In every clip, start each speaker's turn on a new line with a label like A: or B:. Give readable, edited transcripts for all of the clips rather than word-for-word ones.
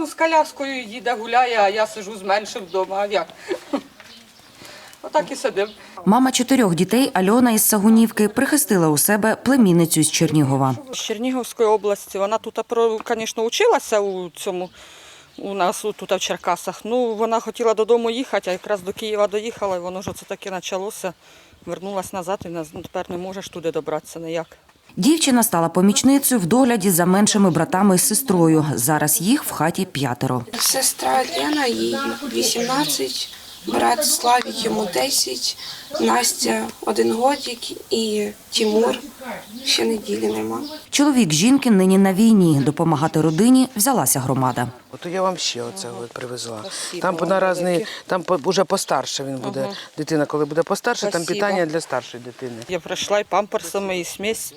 A: з коляскою їде, гуляє, а я сиджу з меншим вдома. А як? Отак і сидимо.
B: Мама 4 дітей Альона із Сагунівки прихистила у себе племінницю з Чернігова.
A: З Чернігівської області. Вона тут, звісно, училася у нас тут в Черкасах. Ну, вона хотіла додому їхати, а якраз до Києва доїхала, і воно ж оце таки почалося. Вернулась назад і тепер не можеш туди добратися ніяк.
B: Дівчина стала помічницею в догляді за меншими братами і сестрою. Зараз їх в хаті 5.
C: Сестра Лена, їй 18, брат Славік, йому 10, Настя 1 годик і Тимур ще неділі нема.
B: Чоловік жінки нині на війні. Допомагати родині взялася громада.
D: От я вам ще оце привезла. Там там вже постарше він буде, дитина, коли буде постарше, там питання для старшої дитини.
A: Я прийшла і памперсами, і смесь.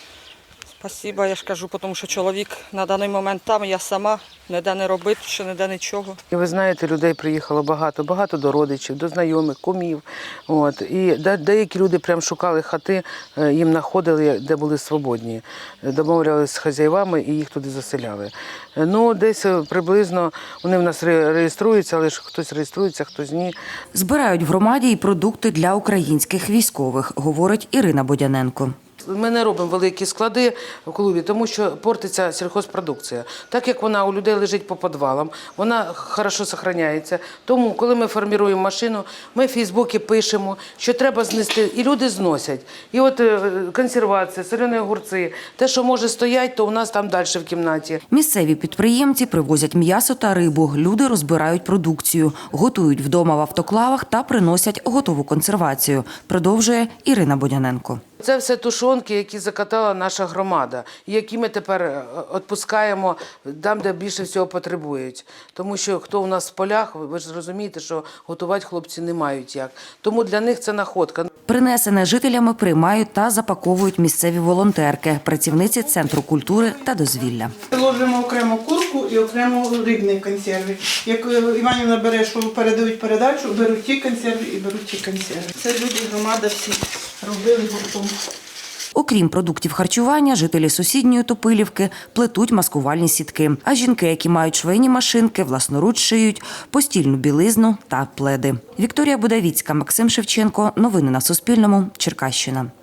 A: Спасибо, я ж кажу, тому що чоловік на даний момент там, я сама, ніде не робити, ще ніде нічого.
D: І ви знаєте, людей приїхало багато, багато до родичів, до знайомих, кумів. От. І деякі люди прям шукали хати, їм знаходили, де були свободні. Домовлялися з хазяївами і їх туди заселяли. Ну, десь приблизно вони в нас реєструються, але ж хтось реєструється, хтось ні.
B: Збирають в громаді і продукти для українських військових, говорить Ірина Бодяненко.
D: Ми не робимо великі склади в клубі, тому що портиться сільхозпродукція. Так як вона у людей лежить по підвалам, вона добре зберігається. Тому, коли ми формуємо машину, ми в Фейсбуці пишемо, що треба знести, і люди зносять. І от консервація, солені огурці, те, що може стояти, то у нас там далі в кімнаті.
B: Місцеві підприємці привозять м'ясо та рибу, люди розбирають продукцію, готують вдома в автоклавах та приносять готову консервацію, продовжує Ірина Бодяненко.
D: Це все тушонки, які закатала наша громада, які ми тепер відпускаємо там, де більше всього потребують. Тому що хто у нас в полях, ви ж розумієте, що готувати хлопці не мають як. Тому для них це находка.
B: Принесене жителями приймають та запаковують місцеві волонтерки, працівниці Центру культури та дозвілля.
E: Ложимо окремо курку і окремо рибні консерви. Як Іванівна бере, що передають передачу, беруть ті консерви і беруть ті консерви. Це люди, громада всі робили гуртом.
B: Окрім продуктів харчування, жителі сусідньої Топилівки плетуть маскувальні сітки. А жінки, які мають швейні машинки, власноруч шиють постільну білизну та пледи. Вікторія Будавіцька, Максим Шевченко. Новини на Суспільному. Черкащина.